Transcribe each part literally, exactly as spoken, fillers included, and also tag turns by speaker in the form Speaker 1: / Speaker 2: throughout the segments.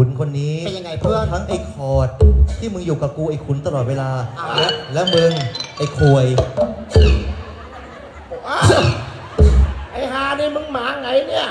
Speaker 1: นคนนี้เป็นยังไงเพื่อนทั้งไอ้คอร์ดที่มึงอยู่กับกูไอ้ขุนตลอดเวลาและและมึงไอ้ควย
Speaker 2: ไอ้ฮานี่มึงหมาไงเนี่ย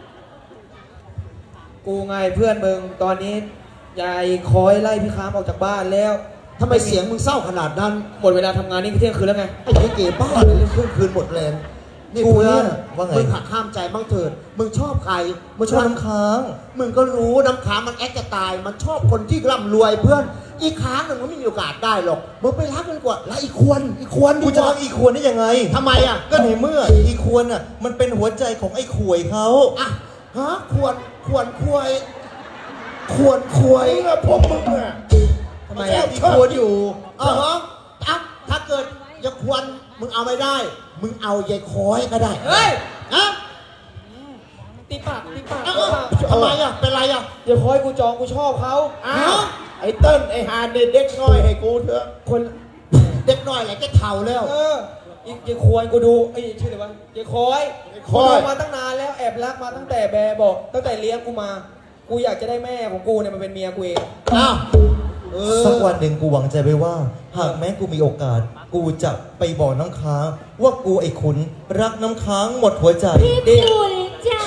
Speaker 3: กูไงเพื่อนมึงตอนนี้ยายคอยไล่พี่ค้ามออกจากบ้านแล้ว
Speaker 2: ทำไมเสียงมึงเศร้าขนาดนั้น
Speaker 3: หมดเวลาทำงานนี่เที่ยงคืนแล้วไง
Speaker 2: ไอ้เก๋เก๋บ้าเลยเรื่องเที่ยงคืนหมดแรงนี่เพื่อนว่าไงมึงหักห้ามใจบ้างเถิดมึงชอบใครมึงชอบน้ำค้างมึงก็รู้น้ำค้างมันแอคจะตายมันชอบคนที่ร่ำรวยเพื่อนอีกค้างหนึ่งมันไม่มีโอกาสได้หรอกมึงไปรักกันกว่าแล้วอีควรอีควร
Speaker 1: กูจะรักอีควรได้ยังไง
Speaker 2: ทำไมอ่ะ
Speaker 1: ก็ในเมื่ออีควรอ่ะมันเป็นหัวใจของไอ้ขวยเขา
Speaker 2: อ่ะฮะควรควรควรควรควรอะพวกมึงอะ
Speaker 1: ทำไมอีควรอยู่
Speaker 2: เออฮะถ้าเกิดยายควรมึงเอาไม่ได้มึงเอายายคอยก็ได้
Speaker 3: เฮ้ย
Speaker 2: อะ
Speaker 3: ตีปากตีปาก
Speaker 2: ทำไมอ่ะเป็นไรอ่ะ
Speaker 3: ยายคอยกูจองกูชอบเขา
Speaker 2: อ้าวไอ้เติ้ลไอ้ฮานเด็กน้อยให้กูเถอะคนเด็กน้อยอะไรก็เฒ่าแล้ว
Speaker 3: เอออีกยายคอยกูดูไอ้ชื่ออะไรวะยายคอยกูดูมาตั้งนานแล้วแอบรักมาตั้งแต่แบบบอกตั้งแต่เลี้ยงกูมากูอยากจะได้แม่ของกูเนี่ยมันเป็นเมียกูเอง
Speaker 2: อ้าว
Speaker 1: สักวันหนึ่งกูหวังใจไว้ว่าหากแม้กูมีโอกาสกูจะไปบอกน้ำค้างว่ากูไอ้ขุนรักน้ำค้างหมดหัวใจ
Speaker 4: พี่ขุนจ้า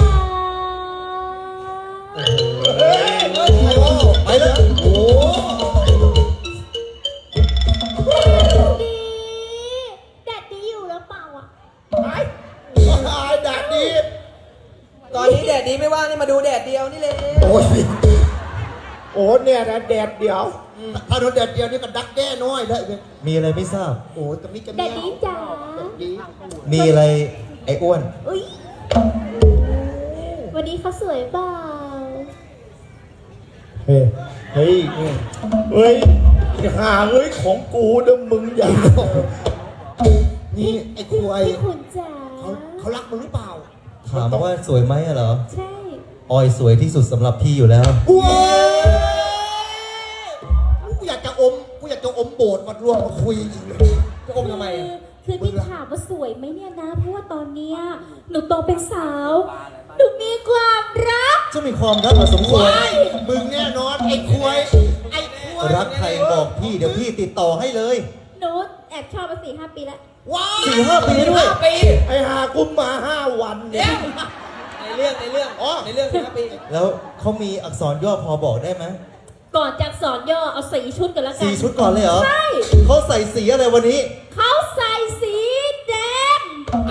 Speaker 2: ไปเลยโอ้
Speaker 4: ดีแดดดีอยู่แล้วเปล่าอ่ะ
Speaker 2: ไอ้แดดดี
Speaker 3: ตอนนี้แดดดีไม่ว่านี่มาดูแดดเดียวนี่เลย
Speaker 2: โอ้ยโอ้เนี่ยนะแดดเดียวถ้าโดนแดดเดียวนี่ก็ดักแด้น้อยเลย
Speaker 1: มีอะไรไม่ทราบ
Speaker 2: โอ้ตรงนี้จะ
Speaker 4: แดดดีจ้า
Speaker 1: มีอะไรไอ้อ้วน
Speaker 4: อุ้ยวันนี้เขาสวยเปล่า
Speaker 2: เฮ้ยเฮ้ยเฮ้ยหาเฮ้ยของกูนะมึงอย่านี่ไอ้ควาย
Speaker 4: พี่ขุนจ๋า
Speaker 2: เขาเขารักมึงหรือเปล่า
Speaker 1: ถามว่าสวยไหมเหรอ
Speaker 4: ใช่
Speaker 1: ออยสวยที่สุดสำหรับพี่อยู่แล้ว
Speaker 2: ว้ากูอยากจะอมกูอยากจะอมโบดมารวมมาคุยจริงเลย
Speaker 3: จะอมทำไม
Speaker 4: คือที่ถามว่าสวยไหมเนี่ยนะเพราะว่าตอนเนี้ยหนูโตเป็นสาวหนูมีความรัก
Speaker 1: จะมีความรักมาสมควร
Speaker 2: มึงแน่นอนไอ้ควายไอ้ควาย
Speaker 1: รักใครบอกพี่เดี๋ยวพี่ติดต่อให้เลย
Speaker 4: หนูแอบชอบมาสี่ห้าปีแล้ว
Speaker 2: ว้าว
Speaker 1: สี่ห้าปีด้วย
Speaker 2: ไอ้หากุมมาห้าวันเนี่ย
Speaker 3: ในเรื่องในเรื่องอ๋อในเรื่องสี่ห้าปี
Speaker 1: แล้วเขามีอักษรย่อพอบอกได้ไหม
Speaker 4: ก่อนจากสอนย่อเอาสีชุดกันแล้วกัน
Speaker 1: สีชุดก่อนเลยเหรอ
Speaker 4: ใช่
Speaker 1: เขาใส่สีอะไรวันนี้
Speaker 4: เขาใส่สีแดง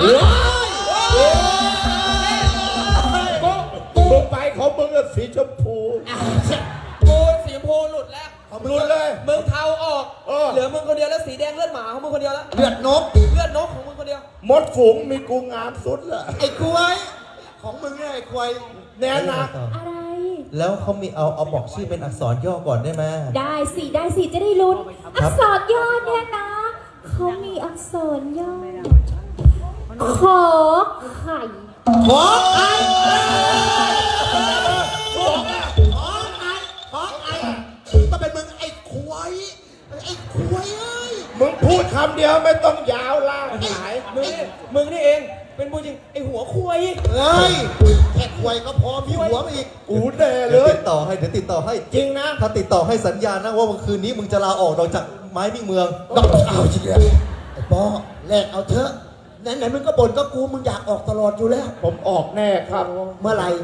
Speaker 2: มึงไปของมึงอะสีชมพู
Speaker 3: กูสีชมพูหลุดแล้ว
Speaker 2: หลุดเลย
Speaker 3: มึงเทาออกเหลือมึงคนเดียวแล้วสีแดงเลือดหมาของมึงคนเดียวแล้ว
Speaker 2: เลือดนก
Speaker 3: เลือดนกของมึงคนเดียว
Speaker 2: มดฝูงมีกูงามสุดเลยไอ้ควายของมึงเนี่ยไอ้ควายแน่นะ
Speaker 4: อะไร
Speaker 1: แล้วเขามีเอาเอาบอกชื่อเป็นอักษรย่อก่อนได้ไหม
Speaker 4: ได้สิได้สิจะได้ลุ้นอักษรย่อเนี่ยนะเขามีอักษรย่อขอไข่
Speaker 2: ขอไข่ขอไข่ขอไข่ขอไข่ก็เป็นมึงไอ้ควายไอ้ควายเอ้ยมึงพูดคำเดียวไม่ต้องยาวล่างหาย
Speaker 3: มึงมึงนี่เองเป็นผู้จริงไอ้หัวควาย
Speaker 2: เฮ้ยแค่ควายก็พอมีหัวมาอีกอูแน่เลย
Speaker 1: ติดต่อให้เดี๋ยวติดต่อให้
Speaker 2: จริงนะ
Speaker 1: ถ้าติดต่อให้สัญญานะว่าวันคืนนี้มึงจะลาออกออกจากไม้มิ่งเมือง
Speaker 2: ต้องเอาจริงเลยไอ้ป้อแลกเอาเถอะไหนไหนมึงก็บ่นก็กูมึงอยากออกตลอดอยู่แล้วผมออกแน่ครับเมื่อไหร่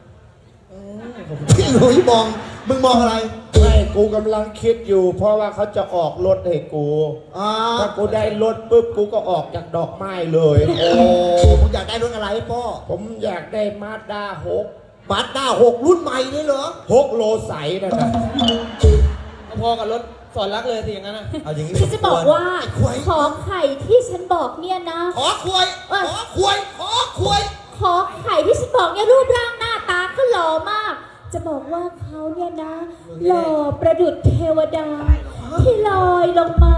Speaker 2: พี่หลุยมองมึงมองอะไรไม่กูกำลังคิดอยู่เพราะว่าเขาจะออกรถให้กูถ้ากูได้รถปุ๊บกูก็ออกจากดอกไม้เลยโอ้มึงอยากได้รถอะไรพ่อผมอยากได้มาสด้าหกมาสด้าหกรุ่นใหม่เลยเหรอหกโลใสนะนะ
Speaker 3: พอกับรถสอนรักเลยสิอย่างนั้นนะ
Speaker 1: เอาอย่างนี้
Speaker 4: ฉันจะบอกว่าขอไข่ที่ฉันบอกเนี่ยนะ
Speaker 2: ขอควายขอควายขอควาย
Speaker 4: ขอไข่ที่ฉันบอกเนี่ยรูปร่างหน้าตาก็หล่อมากจะบอกว่าเขาเนี่ยนะหล่อประดุจเทวดาที่ลอยลงมา